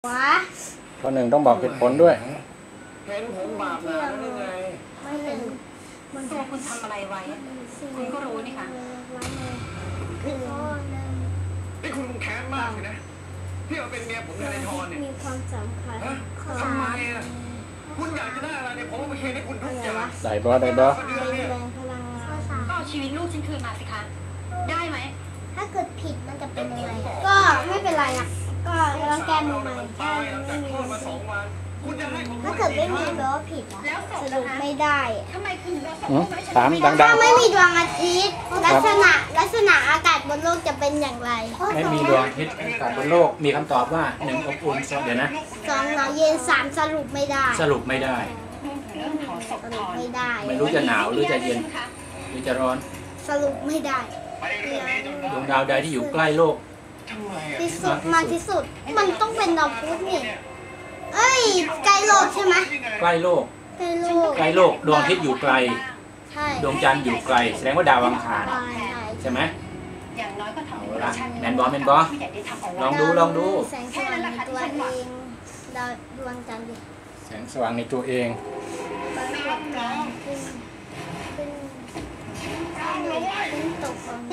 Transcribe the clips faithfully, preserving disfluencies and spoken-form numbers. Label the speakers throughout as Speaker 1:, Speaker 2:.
Speaker 1: วะ
Speaker 2: ข้อหนึ่งต้องบอกเหตุผลด้วย
Speaker 3: เห็นผมบาปหนาได้ไง
Speaker 1: ไม่เห็น
Speaker 4: มันตัวคุณทำอะไรไว้คุณก็รู้นี่ค่ะ
Speaker 3: นี่คุณแค้นมากเลยนะที่เอาเป็นเมียผมในทอนเนี่ย
Speaker 1: มีความสำคัญ
Speaker 3: ทำไมอ่ะคุณอยากจะได้อะไรเนี่ยผมมาเคลียร์ให้คุณทุกอย่าง
Speaker 2: ได้บอได้บอ
Speaker 1: แรงพลังงาน
Speaker 4: ก็เอาชีวิตลูกฉันคืนมาสิคะได้ไหม
Speaker 1: ถ้าเกิดผิดมันจะเป็นยังไงก็ไม่เป็นไรอ่ะก็ลองแก้มือใหม่แก้ไม่มีถ้าเกิดไม่มีแปลว่าผิดอ่ะสรุปไม่ได้
Speaker 4: ทำไมคุณถึงส่ง
Speaker 2: ถามดังๆ
Speaker 1: ถ้าไม่มีดวงอาทิตย์ลักษณะลักษณะอากาศบนโลกจะเป็นอย่างไร
Speaker 2: ไม่มีดวงอาทิตย์อากาศบนโลกมีคำตอบว่าหนึ่งอบอุ่นเดี๋ยวนะ
Speaker 1: สองหนาวเย็นสามสรุปไม่ได้
Speaker 2: สรุปไม่ได้
Speaker 1: สรุปไม่ได้
Speaker 2: ไม่รู้จะหนาวหรือจะเย็นหรือจะร้อน
Speaker 1: สรุปไม่ได้
Speaker 2: ดวงดาวใดที่อยู่ใกล้โลก
Speaker 1: ที่สุดมากที่สุดมันต้องเป็นดาวพุธนี่เอ้ยใกล้โลกใช่ไหม
Speaker 2: ใกล้โลก
Speaker 1: ใกล้โลก
Speaker 2: ใกล้โลกดวงอาทิตย์อยู่ไกลดวงจันทร์อยู่ไกลแสดงว่าดาวอังคารใช่ไหม
Speaker 4: อย่างน้อยก็ทำ
Speaker 2: เอาละแมนบอแมนบอลองดูลองดู
Speaker 1: แสงสว่างในตัวเองดาวดวงจันทร์ดิ
Speaker 2: แสงสว่างในตัวเอง
Speaker 1: ปรากฏการณ์ขึ้นขึ้นขึ้นตกของ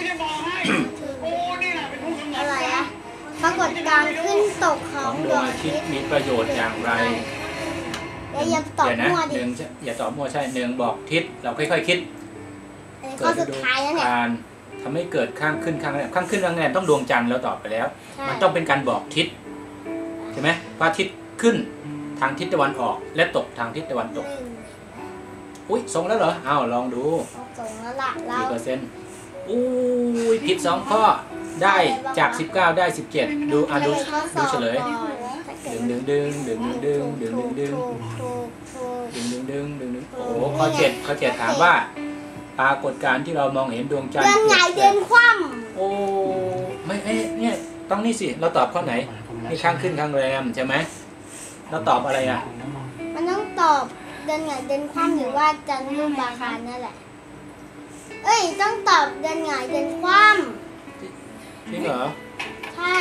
Speaker 1: อะไรอะปรากฏการณ์ขึ้นตกของ
Speaker 2: ดวงอาทิตย์มีประโยชน์อย่างไร
Speaker 1: อย่าตอบมั่วดิ
Speaker 2: หนึ่งอย่าตอบมั่วใช่หนึ่งบอกทิศเราค่อยๆคิด
Speaker 1: ข้อสุดท้ายแล้วเนี่ย
Speaker 2: การทำให้เกิดข้างขึ้นข้างแรมข้างขึ้นข้างแรมต้องดวงจันทร์เราตอบไปแล้วมันต้องเป็นการบอกทิศใช่ไหมพระอาทิตย์ขึ้นทางทิศตะวันออกและตกทางทิศตะวันตกอุ้ยส่งแล้วเหรออ้าวลองดู
Speaker 1: ส่งแล้วล่ะเรา
Speaker 2: กี่เปอร์เซ็นต์อุ้ยผิดสองข้อได้จากสิบเก้าได้สิบเจ็ดดูอ่ะดูดูเฉลยดึงดึงดึงดึงดึงดึงดึงดึงดึงดึงดึงดึงดึงดึงโอ้ข้อเจ็ดข้อเจ็ดถามว่าปรากฏการณ์ที่เรามองเห็นดวงจันทร์
Speaker 1: เดือนใหญ่เดือนคว่
Speaker 2: ำโอ้ไม่เอ้เนี่ยต้องนี่สิเราตอบข้อไหนนี่ข้างขึ้นข้างแรมใช่ไหมเราตอบอะไรอ่ะ
Speaker 1: มันต้องตอบเดือนใหญ่เดือนคว่ำหรือว่าจันทร์รูปบาคารนั่นแหละเอ้ยต้องตอบเดือนใหญ่เดือนคว่ำ
Speaker 2: จริงเหรอ
Speaker 1: ใช่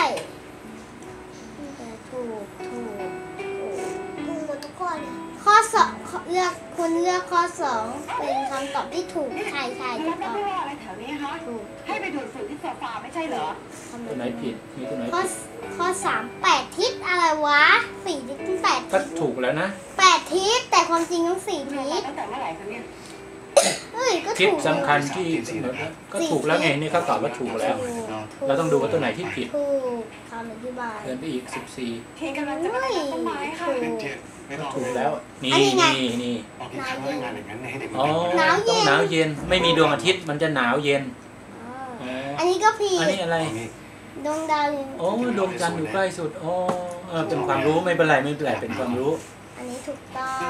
Speaker 1: ถูกถูกถูกหมดทุกข้อเลยข้อสองเลือกคุณเลือกข้อสองเป็นคำตอบที่ถูกใช่ใช่ถูกต้อง
Speaker 4: อะไรแถวนี้ฮะถูกให้ไปดูดฝุ่นที่โซฟาไม่ใช่เหรอ
Speaker 2: ตัวไหนผิดมีตัวไหน
Speaker 1: ข้อข้อสามแปดทิศอะไรวะสี่ทิศแปด
Speaker 2: ก็ถูกแล้วนะ
Speaker 1: แปดทิศแต่ความจริงต้องสี่ทิศ
Speaker 4: ตั้งแต่เมื่อไหร่คะเนี่ย
Speaker 2: ทิศสำคัญที่ก็ถูกแล้วไงนี่เขาตอบว่าถูกแล้วเราต้องดูว่าตัวไหนที่ผิด
Speaker 1: ถูกคำอธิบาย
Speaker 2: เดินไปอีกสิบสี่
Speaker 4: เทกำลังจะไปต้นไม้ค่ะ
Speaker 2: ถูกแล้วนี่นี่นี่อ๋อต้องหนาวเย็นไม่มีดวงอาทิตย์มันจะหนาวเย็น
Speaker 1: อันนี้ก็ผิด
Speaker 2: อันนี้อะไร
Speaker 1: ดวงดาว
Speaker 2: โอ้ดวงจันทร์อยู่ใกล้สุดโอ้เป็นความรู้ไม่เป็นไรไม่เป็นไรเป็นความรู้
Speaker 1: อันนี้ถูกต้อง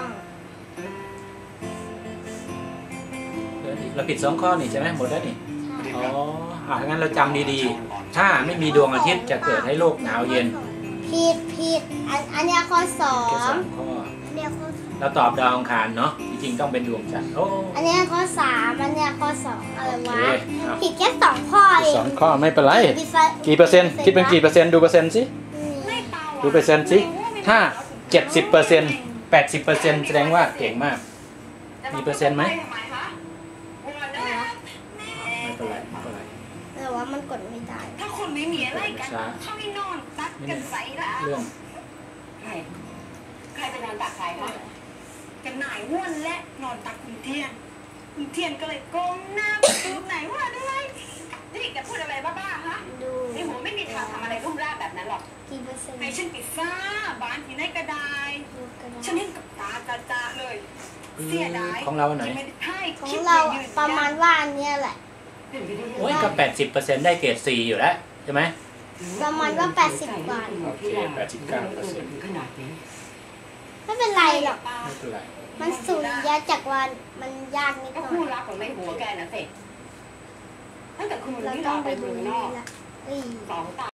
Speaker 2: เราผิดสองข้อนี่ใช่ไหมหมดแล้วนี่อ๋ออ่ะงั้นเราจำดีๆถ้าไม่มีดวงอาทิตย์จะเกิดให้โลกหนาวเย็น
Speaker 1: ผิดผิดอันอันนี้ข้อสอง
Speaker 2: แค่สองข้อเราตอบดาวอังคารเนาะจริงๆต้องเป็นดวงจันทร์โอ้
Speaker 1: อันนี้ข้อสามอันนี้ข้อสองอะไรวะผิดแค่สองข้อเอง
Speaker 2: สองข้อไม่เป็นไรกี่เปอร์เซ็นต์คิดเป็นกี่เปอร์เซ็นต์ดูเปอร์เซ็นต์สิดูเปอร์เซ็นต์สิถ้าเจ็ดสิบเปอร์เซ็นต์แปดสิบเปอร์เซ็นต์แสดงว่าเก่งมากมีเปอร์เซ็นต์ไหม
Speaker 1: แต่ว่ามันกดไม่ได้
Speaker 4: ถ้าคนไม่มีอะไรกันเข้าไปนอนตักกันใส่ละ
Speaker 2: เรื่อง
Speaker 4: ใครใครไปนอนตักใครคะกันหน่ายว่นและนอนตักคุณเทียนคุณเทียนก็เลยก้มหน้าดูไหนว่าด้วยนี่แกพูดอะไรบ้าๆฮะ
Speaker 1: ดู
Speaker 4: ในหัวไม่มีทางทำอะไรรุ่มร่าแบบนั้นหรอก
Speaker 1: กี่เปอร์เซ็นต์
Speaker 4: ให้ฉันปิดซ่าบ้านที่ไหนก็ได้ฉันเห็นกับตาจ้าๆเลยเสียดาย
Speaker 2: ของเราไหน
Speaker 1: ของเราประมาณว่าอันนี้แหละ
Speaker 2: โอ้ยก็แปดสิบเปอร์เซ็นต์ได้เกรดสี่อยู่แล้วใช่ไหม
Speaker 1: ประมาณว่าแปดสิบกว่า
Speaker 2: โอเคแปดสิบเก้าเปอร์เซ็นต์
Speaker 1: ไม่เป็นไรหรอก
Speaker 2: ไม่เป็นไร
Speaker 1: มันสุริยะจักรวาลมันยากนิดหน่อย
Speaker 4: คู่รักของในหัวแกนะเสร็จตั้งแต่คุณเราต้องไปดูนอกสองตา